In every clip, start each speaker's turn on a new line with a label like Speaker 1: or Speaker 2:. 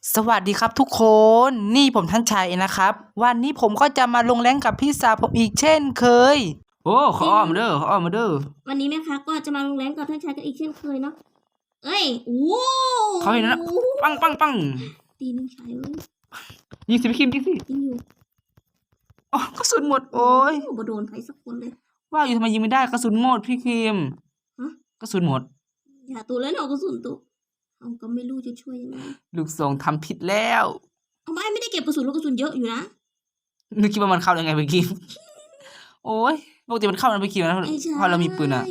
Speaker 1: สวัสดีครับทุกคน นี่ผมท่านชายเองนะครับ วันนี้ผมก็จะมาลงแรงกับพี่สาวผมอีกเช่นเคย โอ้ขออ้อมมาเด้อขออ้อมมาเด้อ
Speaker 2: วันนี้นะคะก็จะมาลงแรงกับท่านชายกันอีกเช่นเคยเนาะเอ้ยโอ้
Speaker 1: เขาเห็นนะปังปังปัง
Speaker 2: ตีนึงชายเอ้ย
Speaker 1: ยิงสิพี่คิมยิงสิ
Speaker 2: ยิงอยู่
Speaker 1: อ๋อกระสุนหมดโอ้ย
Speaker 2: บ่โดนใครสักคนเลย
Speaker 1: ว่าอยู่ทำไมยิงไม่ได้กระสุนหมดพี่คิม
Speaker 2: ฮะ
Speaker 1: กระสุนหมด
Speaker 2: อย่าตัวแล้วเนาะกระสุนตัวเอาก็ไม่รู้จะช่วยยังไง
Speaker 1: ลูกซองทำผิดแล้ว
Speaker 2: เอาไม่ได้เก็บกระสุนแล้วกระสุนเยอะอยู่นะ
Speaker 1: นึกคิดว่ามันเข้ายังไงพี่คิม โอ้ยปกติมันเข้ามันพี่คิมนะ
Speaker 2: ไอ้ชาย
Speaker 1: พอเรามีปืนอ่ะ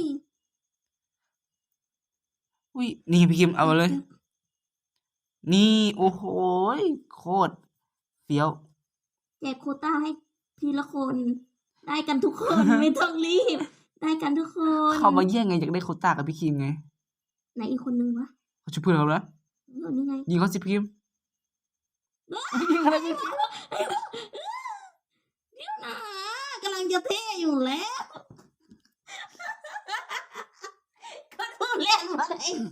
Speaker 1: อุ้ยนี่พี่คิมเอามาเลย นี่โอ้โหโคตรเฟี้ยว
Speaker 2: แจกโควต้าให้ทีละคนได้กันทุกคน ไม่ต้องรีบ ได้กันทุกคน
Speaker 1: เขามาแย่งไงอยากได้โควต้ากับพี่คิมไง
Speaker 2: ไหนอีกคนนึงวะ
Speaker 1: เขาช่วยเพื่อนเขาแล้ว
Speaker 2: นี่ไง
Speaker 1: ยิงเขาสิพี่คิมยิงอะไรพี่คิม
Speaker 2: เดี๋ยวนะกำลังจะเท่อยู่แล้วก็โดนเล่นมาเลย
Speaker 1: ยิง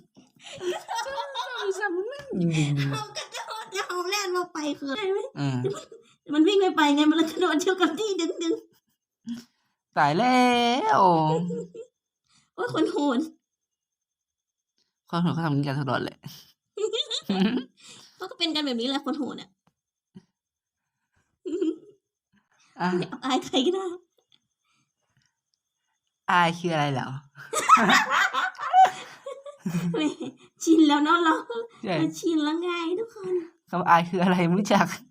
Speaker 2: เอากระโดดจะเอาแล่นมาไปคืออะไรไหม
Speaker 1: อืม
Speaker 2: มันวิ่งไม่ไปไงมันเลยกระโดดเชี่ยวกับที่ดึง
Speaker 1: ตายแล้ว
Speaker 2: โอ้ยคนโหด
Speaker 1: เขาทำอย่างนี้กันตลอดแหละ
Speaker 2: เขาก็เป็นกันแบบนี้แหละคนโหดอ่ะ
Speaker 1: อ่ะ
Speaker 2: อย่าอายใครก็ได้
Speaker 1: อายคืออะไรเหรอ
Speaker 2: แหมชินแล้วเนาะเรา
Speaker 1: ใช่
Speaker 2: ชินแล้วไงทุกคน
Speaker 1: คำอายคืออะไรไม่รู้จัก